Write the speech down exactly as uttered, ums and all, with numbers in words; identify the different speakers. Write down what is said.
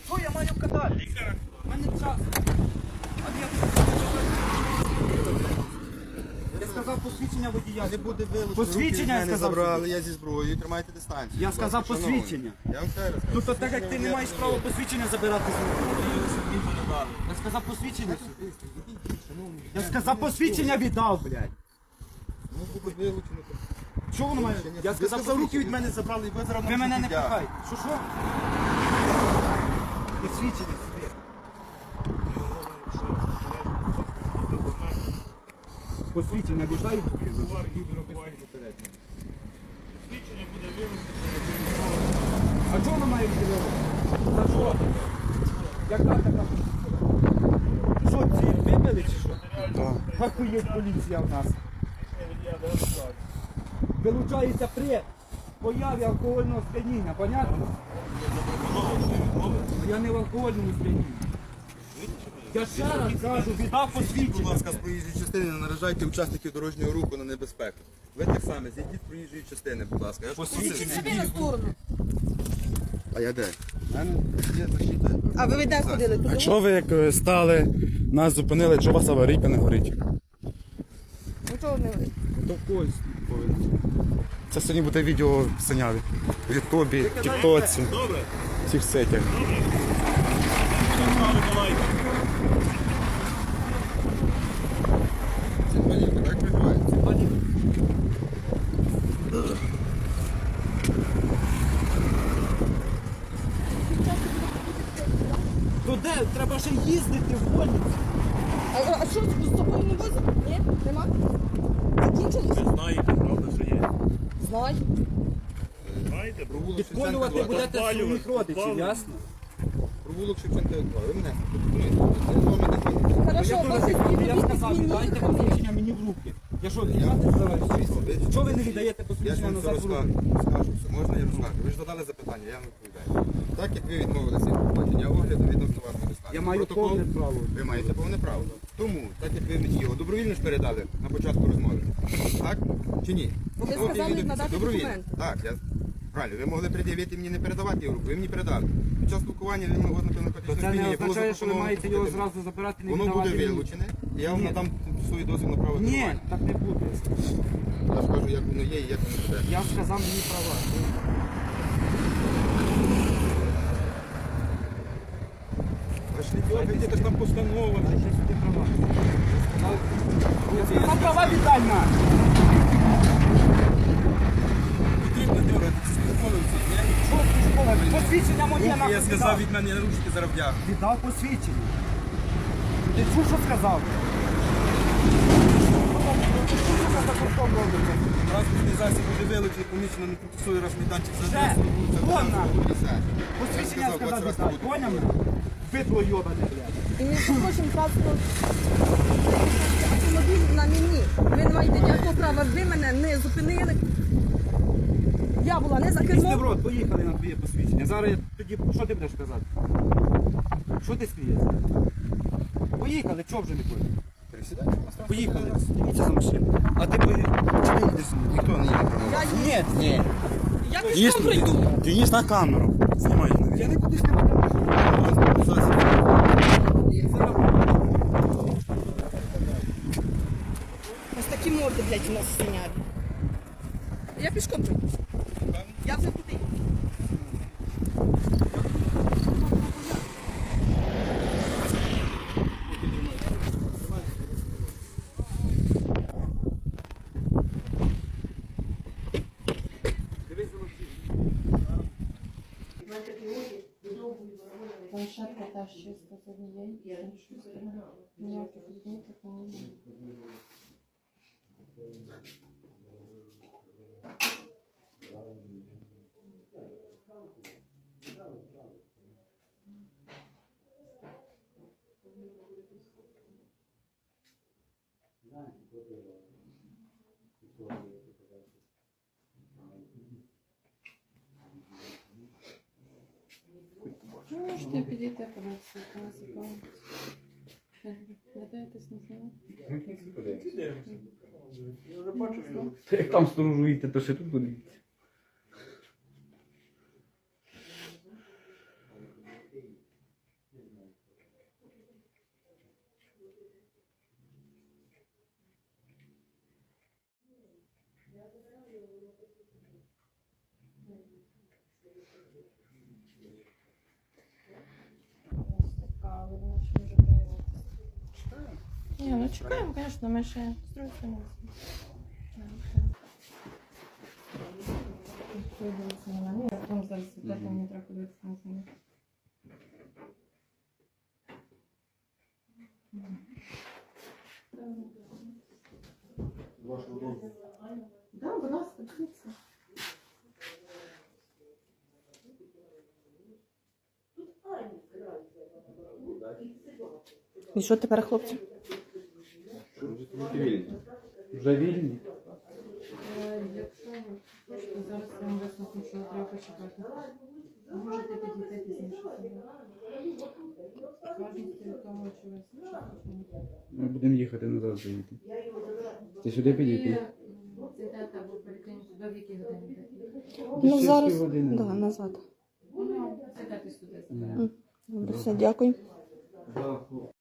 Speaker 1: Що я маю катати? У мене час. Я сказав посвідчення водія.
Speaker 2: Не буде вилучено.
Speaker 1: Посвідчення я сказав.
Speaker 2: Забрали, я зі зброєю, тримайте дистанцію.
Speaker 1: Я сказав посвідчення.
Speaker 2: Я вам ще раз
Speaker 1: Ну то так як ти не маєш права посвідчення забирати з руки. Я сказав посвідчення. Я сказав посвідчення віддав, блядь.
Speaker 2: Ну буде вилучено.
Speaker 1: Що воно має? Я сказав, руки від мене забрали, і ви зараз ви мене не пихайте. Що що? Посвідчення собі. Посвідчення віддай.
Speaker 3: Свідчення буде вилучено.
Speaker 1: А чого воно має віддавати? За що? Яка така? Що, ці вибили чи що?
Speaker 2: Так.
Speaker 1: Ахуєть поліція в нас. Вилучається при появі алкогольного сп'яніння, понятно? Я не в алкогольному сп'янінні. Я ще раз кажу, віддав
Speaker 2: Будь
Speaker 1: посвідчення.
Speaker 2: ласка, з проїжджої частини не наражайте учасників дорожнього руху на небезпеку. Ви так само, зійдіть з проїжджої частини, будь ласка. Я ж
Speaker 1: Посвідчення.
Speaker 2: просив.
Speaker 4: Собі на сторону.
Speaker 2: А я де? У мене є защита.
Speaker 4: А ви де ходили?
Speaker 5: А
Speaker 4: Туди?
Speaker 5: чого ви як е, стали, нас зупинили, чого у вас аварійка не горить?
Speaker 4: Ну чого не ви?
Speaker 1: До когось повинен.
Speaker 5: Це сьогодні буде відео в Синяві. В Ютубі, Тіктоці,
Speaker 3: Добре?
Speaker 5: всіх сетях.
Speaker 3: Давайте.
Speaker 2: Це панівка, так відбувається?
Speaker 1: То де? Треба ще їздити в больницю.
Speaker 4: А, а що, з тобою не возить? Ні? Нема? Закінчилось?
Speaker 3: Ви знаєте, правда, що є.
Speaker 4: Знаю.
Speaker 3: Знаєте,
Speaker 2: Провулок
Speaker 1: Підколювати
Speaker 2: Шевченка два.
Speaker 1: будете своїх родичів,
Speaker 3: Підпалювати.
Speaker 1: ясно?
Speaker 2: Провулок Шевченка два. Ви мене пропонуєте. Я з вами не ходив.
Speaker 4: Хорошо,
Speaker 1: Я
Speaker 4: ваші
Speaker 1: теж я сказав,
Speaker 4: співробітник
Speaker 1: віддайте
Speaker 4: мені.
Speaker 1: посвідчення мені в руки. Я що, віддати збираюся? Чого ви не віддаєте
Speaker 2: Я ж
Speaker 1: посвідчення
Speaker 2: вам все
Speaker 1: назад в руки?
Speaker 2: розкажу. Скажу все. Можна я розкажу? Ви ж задали запитання, я вам відповідаю. Так як ви відмовилися від проходження огляду відносно вас недостатньо.
Speaker 1: Я маю повне право.
Speaker 2: Ви маєте повне право. Тому, так як ви мені його добровільно ж передали на початку розмови. Так? Чи ні?
Speaker 4: Ви
Speaker 2: От і
Speaker 4: сказали
Speaker 2: відео-
Speaker 4: надати
Speaker 2: добровільно.
Speaker 4: документи.
Speaker 2: Так, я правильно. Ви могли пред'явити мені не передавати його руку, ви мені передали. Під час спілкування ви могли на
Speaker 1: То
Speaker 2: наркотичне
Speaker 1: це не
Speaker 2: сп'яніння, було
Speaker 1: означає, що ви
Speaker 2: запропоновано
Speaker 1: маєте його
Speaker 2: слухати.
Speaker 1: зразу забирати, не
Speaker 2: Воно
Speaker 1: віддавати
Speaker 2: буде
Speaker 1: мені.
Speaker 2: вилучене, і я вам
Speaker 1: Ні.
Speaker 2: надам свої дозвіл на право
Speaker 1: Ні,
Speaker 2: керування.
Speaker 1: так не буде.
Speaker 2: Я скажу, як воно є і як воно буде.
Speaker 1: Я сказав мені права.
Speaker 2: Пошли, дергайте, це ж там постанова.
Speaker 1: Я ще сюди права. Я сказав права віддай на.
Speaker 2: Потрібно дергати, це виконується.
Speaker 1: Що ти школа? Посвідчення моє
Speaker 2: Я
Speaker 1: нахуй
Speaker 2: сказав
Speaker 1: віддав.
Speaker 2: від мене ручки зараз вдяг.
Speaker 1: Віддав посвідчення. Ти чув, що сказав?
Speaker 2: Транспортний засіб буде вилучений, помічено на тимчасовий розміданчик за
Speaker 1: Ще.
Speaker 2: адресою вулиця
Speaker 1: Вон
Speaker 2: Богдана
Speaker 1: на.
Speaker 2: п'ятдесят.
Speaker 1: Посвідчення
Speaker 2: Я сказав,
Speaker 1: сказав
Speaker 2: двадцять раз
Speaker 1: віддав.
Speaker 2: не
Speaker 1: Поняв мене? Бидло йобане, блядь.
Speaker 4: І між прочим, паспорт автомобіль на мені. Ви не маєте ніякого права. Ви мене не зупинили. Я була не за
Speaker 1: Після в
Speaker 4: кермом.
Speaker 1: рот, поїхали на твоє посвідчення. Зараз я тоді, що ти будеш казати? Що ти смієшся? Поїхали, чого вже не поїхали?
Speaker 2: Пересідайте, поставте.
Speaker 1: Поїхали, дивіться за машину. А ти поїхав? Чи ти їдеш?
Speaker 2: Ніхто не їде прямо.
Speaker 4: Я
Speaker 1: Ні, ні.
Speaker 4: Я
Speaker 5: Денис,
Speaker 4: пішком прийду.
Speaker 5: Денис на камеру. Знімай.
Speaker 1: Я не буду знімати.
Speaker 2: Транспортний засіб.
Speaker 4: Ось такі морди, блядь, у нас синяють. Я пішком прийду. Я вже туди.
Speaker 6: Площадка теж чисто з однієї і з іншої сторони. Ніяких відміток немає. Ну, можете підійти, подивитися, яка нас цікавить. Гадаєтесь, не знаю.
Speaker 1: Як там сторожуєте, то ще тут подивіться.
Speaker 6: Ні, ну чекаємо, звісно, ми ще з другої сторони. Подивитися на мене, а потім зараз світати, мені треба подивитися на мене. Так, будь ласка, дивіться. І що тепер, хлопці?
Speaker 5: Вже вільні?
Speaker 6: Якщо ви хочете, зараз я вам висновку, що треба почекати. Можете підійти пізніше. Важності від того, чи ви слухаєте.
Speaker 5: Ми будемо їхати назад заїти. Ти сюди підійти?
Speaker 6: Зайдете або поліклініку, до в якій годині йдете?
Speaker 5: Ну, зараз, да,
Speaker 7: назад.
Speaker 6: Ну, зайдете сюди.
Speaker 7: Добре, все, дякую.